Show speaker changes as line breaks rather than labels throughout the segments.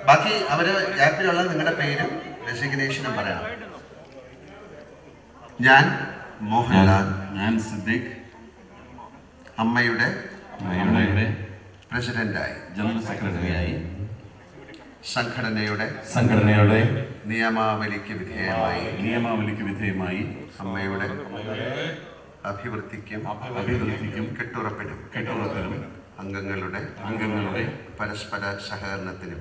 ബാക്കി അവര് ആപ്പിലുള്ള നിങ്ങളുടെ പേരും ഡെസിഗ്നേഷനും പറയണം. ഞാൻ മോഹൻലാൽ,
ഞാൻ സിദ്ദിഖ്,
അമ്മയുടെ പ്രസിഡന്റായി,
ജനറൽ സെക്രട്ടറിയായി,
സംഘടനയുടെ നിയമാവലിക്ക് വിധേയമായി അമ്മയുടെ അഭിവൃദ്ധിക്കും കെട്ടുറപ്പിനും അംഗങ്ങളുടെ പരസ്പര സഹകരണത്തിനും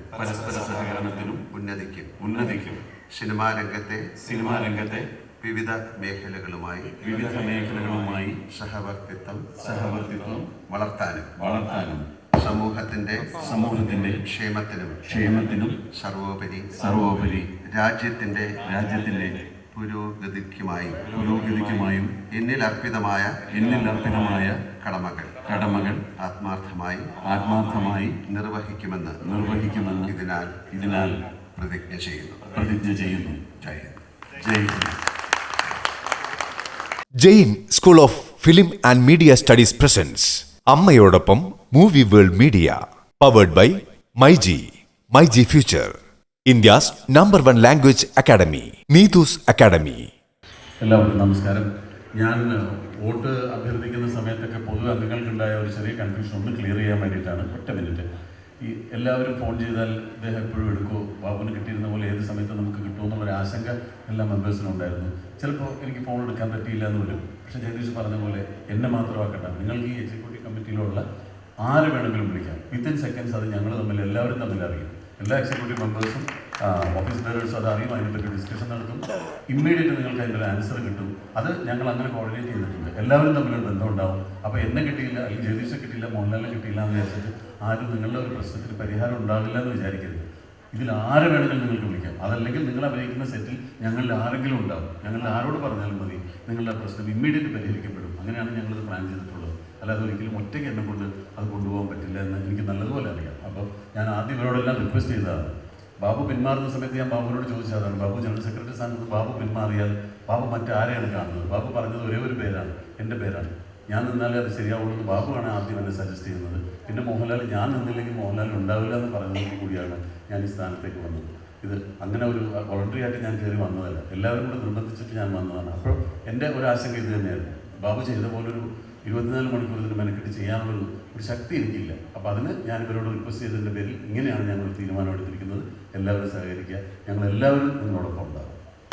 ഉന്നതിക്കും സിനിമാ രംഗത്തെ വിവിധ മേഖലകളുമായി സഹവർത്തിത്വം വളർത്താനും സമൂഹത്തിന്റെ ക്ഷേമത്തിനും സർവോപരി രാജ്യത്തിന്റെ പുരോഗതിക്കുമായും എന്നിൽ അർപ്പിതമായ കടമകൾ ആത്മാർത്ഥമായി നിർവഹിക്കുമെന്ന് ഇതിനാൽ പ്രതിജ്ഞ ചെയ്യുന്നു.
Jain school of film and media studies presents അമ്മയോടൊപ്പം movie world media powered by MyG future, India's number 1 language academy, Neethu's academy.
എല്ലാവർക്കും നമസ്കാരം. ഞാൻ വോട്ട് അഭ്യർത്ഥിക്കുന്ന സമയത്തൊക്കെ പൊതു അംഗങ്ങൾക്കുണ്ടായ ഒരു ചെറിയ കൺഫ്യൂഷൻ ഒന്ന് ക്ലിയർ ചെയ്യാൻ വേണ്ടിയിട്ടാണ്. ഒറ്റ മിനിറ്റ്. ഈ എല്ലാവരും ഫോൺ ചെയ്താൽ അദ്ദേഹം എപ്പോഴും എടുക്കുമോ, ബാബുവിന് കിട്ടിയിരുന്ന പോലെ ഏത് സമയത്ത് നമുക്ക് കിട്ടുമെന്നുള്ളൊരു ആശങ്ക എല്ലാ മെമ്പേഴ്സിനും ഉണ്ടായിരുന്നു. ചിലപ്പോൾ എനിക്ക് ഫോൺ എടുക്കാൻ പറ്റിയില്ല എന്ന് വരും. പക്ഷേ ജഗദീഷ് പറഞ്ഞ പോലെ എന്നെ മാത്രമാക്കട്ടെ, നിങ്ങൾക്ക് ഈ എക്സിക്യൂട്ടീവ് കമ്മിറ്റിയിലുള്ള ആര് വേണമെങ്കിലും വിളിക്കാം. വിത്തിൻ സെക്കൻഡ്സ് അത് ഞങ്ങൾ എല്ലാവരും തമ്മിൽ അറിയും. എല്ലാ എക്സിക്യൂട്ടീവ് മെമ്പേഴ്സും ഓഫീസ് ബെയറേഴ്സും അത് അറിയും. അതിനെപ്പറ്റി ഡിസ്കഷൻ നടത്തും. ഇമ്മീഡിയറ്റ് നിങ്ങൾക്ക് അതിൻ്റെ ഒരു ആൻസർ കിട്ടും. അത് ഞങ്ങൾ അങ്ങനെ കോർഡിനേറ്റ് ചെയ്തിട്ടുണ്ട്. എല്ലാവരും തമ്മിലൊരു ബന്ധം ഉണ്ടാവും. അപ്പോൾ എന്നെ കിട്ടിയില്ല, അല്ലെങ്കിൽ ജഗദീഷെ കിട്ടിയില്ല, മോഹൻലാലിനെ കിട്ടിയില്ല എന്ന് വിചാരിച്ചിട്ട് ആരും നിങ്ങളുടെ ഒരു പ്രശ്നത്തിന് പരിഹാരം ഉണ്ടാവില്ല എന്ന് വിചാരിക്കരുത്. ഇതിൽ ആരെ വേണമെങ്കിലും നിങ്ങൾക്ക് വിളിക്കാം. അതല്ലെങ്കിൽ നിങ്ങൾ അഭിനയിക്കുന്ന സെറ്റിൽ ഞങ്ങളിൽ ആരെങ്കിലും ഉണ്ടാവും. ഞങ്ങളിൽ ആരോട് പറഞ്ഞാലും മതി, നിങ്ങളുടെ പ്രശ്നം ഇമ്മീഡിയറ്റ് പരിഹരിക്കപ്പെടും. അങ്ങനെയാണ് ഞങ്ങളിത് പ്ലാൻ ചെയ്തിട്ടുള്ളത്. അല്ലാതെ ഒരിക്കലും ഒറ്റയ്ക്ക് എന്നെ കൊണ്ട് അത് കൊണ്ടുപോകാൻ പറ്റില്ല എന്ന് എനിക്ക് നല്ലതുപോലെ അറിയാം. അപ്പോൾ ഞാൻ ആദ്യം ഇവരോടെല്ലാം റിക്വസ്റ്റ് ചെയ്തതാണ്. ബാബു പിന്മാറുന്ന സമയത്ത് ഞാൻ ബാബുവിനോട് ചോദിച്ചതാണ്, ബാബു ജനറൽ സെക്രട്ടറി സ്ഥാനത്ത് ബാബു പിന്മാറിയാൽ ബാബു മറ്റാരെയാണ് കാണുന്നത്? ബാബു പറഞ്ഞത് ഒരേ ഒരു പേരാണ്, എൻ്റെ പേരാണ്. ഞാൻ നിന്നാലേ അത് ശരിയാവുള്ളൂ. ബാബുവാണ് ആദ്യം എന്നെ സജസ്റ്റ് ചെയ്യുന്നത്. പിന്നെ മോഹൻലാൽ ഞാൻ നിന്നില്ലെങ്കിൽ മോഹൻലാൽ ഉണ്ടാവില്ല എന്ന് പറയുന്നത് കൂടിയാണ് ഞാൻ ഈ സ്ഥാനത്തേക്ക് വന്നത്. ഇത് അങ്ങനെ ഒരു വോളണ്ടറി ആയിട്ട് ഞാൻ കയറി വന്നതല്ല, എല്ലാവരും കൂടെ നിർബന്ധിച്ചിട്ട് ഞാൻ വന്നതാണ്. അപ്പോൾ എൻ്റെ ഒരു ആശങ്ക ഇത് തന്നെയായിരുന്നു. ബാബു ചെയ്ത പോലൊരു 24 മണിക്കൂർ ഇതിന് മെനക്കെട്ട് ചെയ്യാനുള്ളൊരു ശക്തി എനിക്കില്ല. അപ്പോൾ അതിന് ഞാൻ ഇവരോട് റിക്വസ്റ്റ് ചെയ്തതിൻ്റെ പേരിൽ ഇങ്ങനെയാണ് ഞങ്ങൾ തീരുമാനം എടുത്തിരിക്കുന്നത്. എല്ലാവരും സഹകരിക്കുക. ഞങ്ങളെല്ലാവരും നിങ്ങളോടൊപ്പം ഉണ്ടാകും.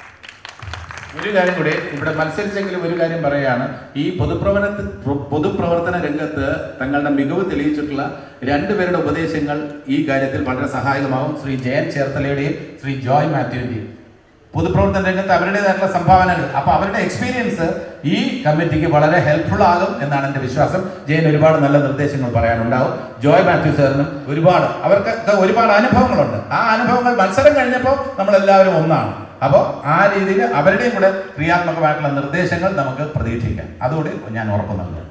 ഒരു കാര്യം കൂടി ഇവിടെ മത്സരിച്ചെങ്കിലും ഒരു കാര്യം പറയുകയാണ്. ഈ പൊതുപ്രവർത്തന രംഗത്ത് തങ്ങളുടെ മികവ് തെളിയിച്ചിട്ടുള്ള 2 പേരുടെ ഉപദേശങ്ങൾ ഈ കാര്യത്തിൽ വളരെ സഹായകമാകും. ശ്രീ ജയൻ ചേർത്തലയുടെയും ശ്രീ ജോയ് മാത്യുവിൻ്റെയും പൊതുപ്രവർത്തന രംഗത്ത് അവരുടേതായിട്ടുള്ള സംഭാവനകൾ, അപ്പോൾ അവരുടെ എക്സ്പീരിയൻസ് ഈ കമ്മിറ്റിക്ക് വളരെ ഹെൽപ്ഫുൾ ആകും എന്നാണ് എൻ്റെ വിശ്വാസം. ജയൻ ഒരുപാട് നല്ല നിർദ്ദേശങ്ങൾ പറയാനുണ്ടാവും. ജോയ് മാത്യു സാറിനും അവർക്ക് ഒരുപാട് അനുഭവങ്ങളുണ്ട്. ആ അനുഭവങ്ങൾ മത്സരം കഴിഞ്ഞപ്പോൾ നമ്മളെല്ലാവരും ഒന്നാണ്. അപ്പോൾ ആ രീതിയിൽ അവരുടെയും കൂടെ ക്രിയാത്മകമായിട്ടുള്ള നിർദ്ദേശങ്ങൾ നമുക്ക് പ്രതീക്ഷിക്കാം. അതുകൂടി ഞാൻ ഉറപ്പ് നൽകുന്നു.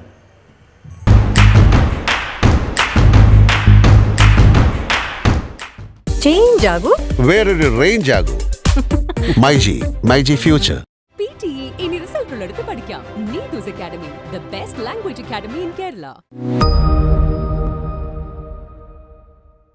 ചേഞ്ച് ആകൂ,
വേറൊരു റേഞ്ച് ആകൂ. മൈജി ഫ്യൂച്ചർ.
PTE ഇനി റിസൾട്ട് ഉള്ളിടത്ത് പഠിക്കാം. Neethu's academy, the best language academy in Kerala.